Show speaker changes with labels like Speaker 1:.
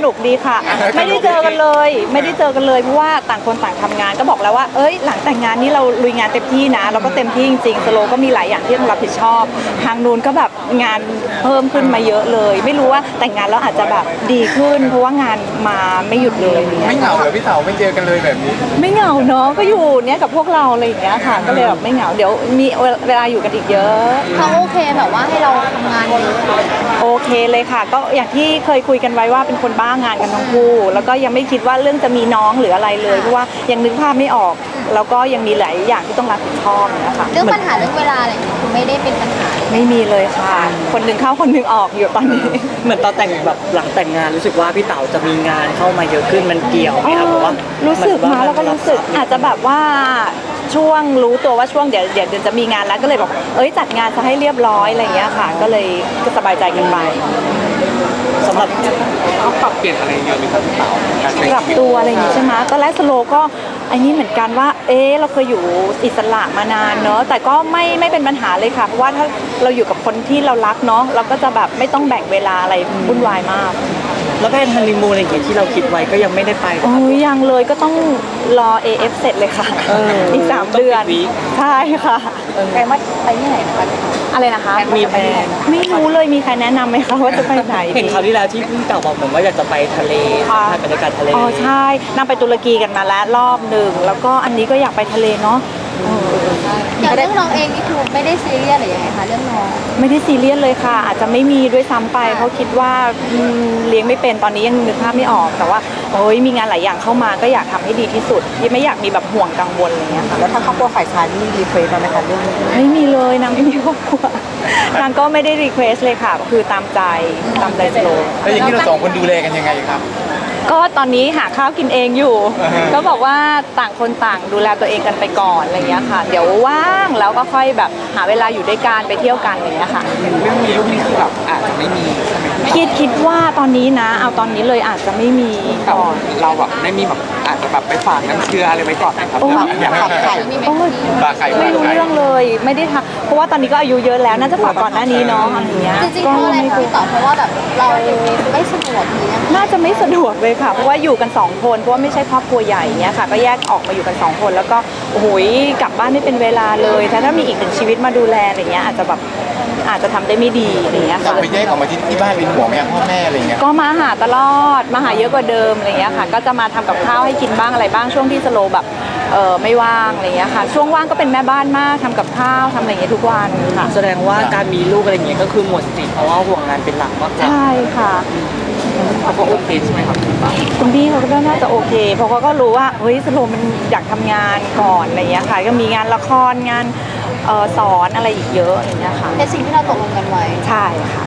Speaker 1: นุกดีค่ะไม่ได้เจอกันเลยเพราะว่าต่างคนต่างทำงานก็บอกแล้วว่าหลังแต่งงานนี้เราลุยงานเต็มที่นะเราก็เต็มที่จริงๆสโลก็มีหลายอย่างที่ต้องรับผิดชอบทางนู้นก็แบบงานเพิ่มขึ้นมาเยอะเลยไม่รู้ว่าแต่งงานแล้วอาจจะแบบดีขึ้นเพราะว่างานมาไม่หยุดเลย
Speaker 2: ไม่เหงาเหรอพี่เต๋าไม่เจอกันเลยแบบนี้
Speaker 1: ไม่เหงาเนาะก็อยู่เนี่ยกับพวกเราอะไรอย่างเงี้ยค่ะก็เลยแบบไม่เหงาเดี๋ยวมีเวลาอยู่กันอีกเยอะ
Speaker 3: เขาโอเคแบบว่าให้เราทำงานเยอะ
Speaker 1: โอเคเลยค่ะก็อย่างที่เคยคุยกันไว้ว่าเป็นคนบ้างานกันทั้งคู่แล้วก็ยังไม่คิดว่าเรื่องจะมีน้องหรืออะไรเลยเพราะว่ายังนึกภาพไม่ออกแล้วก็ยังมีหลายอย่างที่ต้องรับผิดชอบนะคะ
Speaker 3: เรื่องปัญหาเรื่องเวลาอะไรอย่างเงี้ยคือไม่ได้เป็นปัญหา
Speaker 1: ไม่มีเลยค่ะคนหนึ่งเข้าคนหนึ่งออกอยู่ตอนนี้
Speaker 4: เหมือนตอนแต่งแบบหลังแต่งงานรู้สึกว่าพี่เต๋าจะมีงานเข้ามาเยอะขึ้นมันเกี่ยวไหมครับเพราะว่า
Speaker 1: รู้สึกมาแล้วก็รู้สึกอาจจะแบบว่าช่วงรู้ตัวว่าช่วงเดี๋ยวจะมีงานแล้วก็เลยบอกจัดงานซะให้เรียบร้อยอะไรอย่างเงี้ยค่ะก็เลยสบายใจกันไป
Speaker 4: สำหรับ
Speaker 2: เขาปรับเปลี่ยนอะไรเยอะไหมครับพี่เต๋า
Speaker 1: ปรับตัวอะไรอย่างงี้ใช่ไหมตอนแรกสโลก็อันนี้เหมือนกันว่าเราเคยอยู่อิสระมานานเนอะแต่ก็ไม่เป็นปัญหาเลยค่ะเพราะว่าถ้าเราอยู่กับคนที่เรารักเนาะเราก็จะแบบไม่ต้องแบ่งเวลาอะไรวุ่นวายมาก
Speaker 4: แล้วแพนฮันนีมูนอะไรอย่างเงี้ยที่เราคิดไว้ก็ยังไม่ได้ไป
Speaker 1: ยังเลยก็ต้องรอ AF เสร็จเลยค่ะอีก3 เดือนใช่ค่ะ
Speaker 3: ใครมาไปที่ไหนนะคะ
Speaker 1: อะไรนะคะ
Speaker 4: มีแพน
Speaker 1: ไม่รู้เลยมีใครแนะนำไหมคะว่าจะไปไหน
Speaker 4: เห็นคราวที่แล้วที่พี่เต๋าบอกผมว่าอยากจะไปทะเลถ่ายบรรยากาศทะเล
Speaker 1: ใช่นั่งไปตุรกีกันมาแล้วรอบหนึ่งแล้วก็อันนี้ก็อยากไปทะเลเนาะ
Speaker 3: อย่างเรื่องน้องเองนี่คือไม่ได้ซีเรียสหรือยังไงคะเรื่องน้อง
Speaker 1: ไม่ได้ซีเรียสเลยค่ะอาจจะไม่มีด้วยซ้ำไปเพราะคิดว่าเลี้ยงไม่เป็นตอนนี้ยังนึกภาพไม่ออกแต่ว่ามีงานหลายอย่างเข้ามาก็อยากทำให้ดีที่สุดที่ไม่อยากมีแบบห่วงกังวลอะไรเงี้ยค่ะ
Speaker 4: แล้วถ้าครอบครัวฝ่ายชายมีรีเควสไหมคะเรื่องนี้
Speaker 1: ไม่มีเลยนางไม่มีครอบครัวนางก็ไม่ได้รีเควสเลยค่ะก็คือตามใจสโล
Speaker 2: แล้วอย่างนี้เรา2 คนดูแลกันยังไงครับ
Speaker 1: ก็ตอนนี้หาข้าวกินเองอยู่ก็บอกว่าต่างคนต่างดูแลตัวเองกันไปก่อนอะไรเงี้ยค่ะเดี๋ยวว่างแล้วก็ค่อยแบบหาเวลาอยู่ด้วยกันไปเที่ยวกันอะไรเงี้ยค่ะ
Speaker 2: เรื่องมีลูกนี่คือแบบอาจจะไม่มีใช่ไหม
Speaker 1: คิดว่าตอนนี้นะเอาตอนนี้เลยอาจจะไม่มีก่อน
Speaker 2: เราแบบไม่มีแบบอาจจะแบบไปฝากน้ำเชื้ออะไรไว้ก่อนนะครับอยากฝากไข่ฝากไข่
Speaker 1: ไม่รู้เรื่องเลยไม่ได้ทำเพราะว่าตอนนี้ก็อายุเยอะแล้วน่าจะฝากก่อนหน้านี้เนาะอะไรเงี้ย
Speaker 3: จริงๆเพราะอะไรคุยต่อเพราะว่าแบบเราไม่สะดวก
Speaker 1: น่าจะไม่สะดวกเลยค่ะเพราะว่าอยู่กัน2 คนเพราะว่าไม่ใช่ครอบครัวใหญ่เงี้ยค่ะก็แยกออกมาอยู่กัน2 คนแล้วก็โอ้โหกลับบ้านไม่เป็นเวลาเลยถ้ามีอีก1 ชีวิตมาดูแลอะไรเงี้ยอาจจะทำได้ไม่ดีอะไรเงี้ยค่ะ
Speaker 2: ไปแยกออกมาที่บ้านเป็นห่วงแม่พ่อแม่อะไรเงี้ย
Speaker 1: ก็มาหาตลอดมาหาเยอะกว่าเดิมอะไรเงี้ยค่ะก็จะมาทำกับข้าวให้กินบ้างอะไรบ้างช่วงที่สโลแบบไม่ว่างอะไรเงี้ยค่ะช่วงว่างก็เป็นแม่บ้านมากทำกับข้าวทำอะไรเงี้ยทุกวันค่ะ
Speaker 4: แสดงว่าการมีลูกอะไรเงี้ยก็คือหมดสิทธิ์เพราะว่าห่วงงานเป็นหลักมากกว่า
Speaker 1: ใช่ค่ะ
Speaker 2: เขาก็โอเคใช่ไหมครับ
Speaker 1: คุณพี่เขาก็น่าจะโอเคเพราะเขาก็รู้ว่าสโลมันอยากทำงานก่อนอะไรเงี้ยค่ะก็มีงานละครงานสอนอะไรอีกเยอะอะไรเงี้ยค่ะ
Speaker 3: เป็นสิ่งที่เราตกลงกันไว้
Speaker 1: ใช่ค่ะ